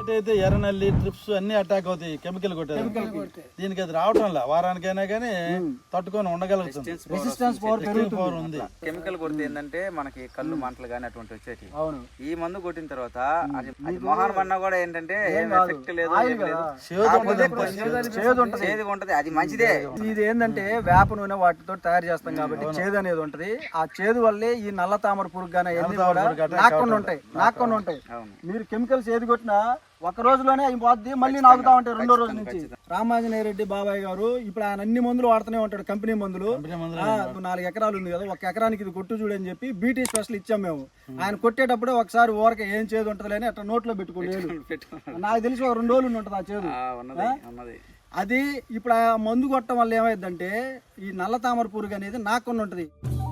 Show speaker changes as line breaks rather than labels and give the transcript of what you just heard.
ఒకటి అయితే ఎర్రనల్లి ట్రిప్స్ అన్ని అటాక్ అవుతాయి కెమికల్ కొట్టారు. దీనికి అది రావటం లా వారానికైనా కానీ తట్టుకొని ఉండగలుగుతుంది.
రెసిస్టెన్స్ పవర్
ఉంది.
కెమికల్ కొడితే ఏంటంటే మనకి కళ్ళు మంటలు కానీ అటువంటి వచ్చేటి. ఈ మందు కొట్టిన తర్వాత అది మొహాన్ మన్నా కూడా ఏంటంటే ఏం ఎఫెక్ట్ లేదు, చేదు ఉంటది. అది మంచిదే.
ఇది ఏంటంటే వేప నూనె వాటితో తయారు చేస్తాం కాబట్టి చేదు అనేది ఉంటది. ఆ చేదు వల్లే ఈ నల్ల తామర పురుగు గానీ నాకుండా ఉంటాయి. మీరు కెమికల్స్ ఏది కొట్టినా ఒక రోజులోనే అయిపోద్ది, మళ్ళీ నాగుతా ఉంటాయి రెండో రోజు నుంచి. రామాంజనేయ రెడ్డి బాబాయ్ గారు ఇప్పుడు ఆయన అన్ని మందులు వాడుతూనే ఉంటాడు, కంపెనీ మందులు. 4 ఎకరాలు ఉంది కదా, 1 ఎకరానికి ఇది కొట్టు చూడని చెప్పి బీటీ స్పెషల్ ఇచ్చాం మేము. ఆయన కొట్టేటప్పుడే ఒకసారి ఊరక ఏం చేదు ఉంటది అని అట్లా నోట్లో పెట్టుకోలేదు. నాకు తెలిసి ఒక 2 రోజులు ఉంటుంది ఆ చేదు. అది ఇప్పుడు ఆ మందు కొట్టడం వల్ల ఏమైందంటే ఈ నల్ల తామర పురుగు అనేది నాకుండా ఉంటది.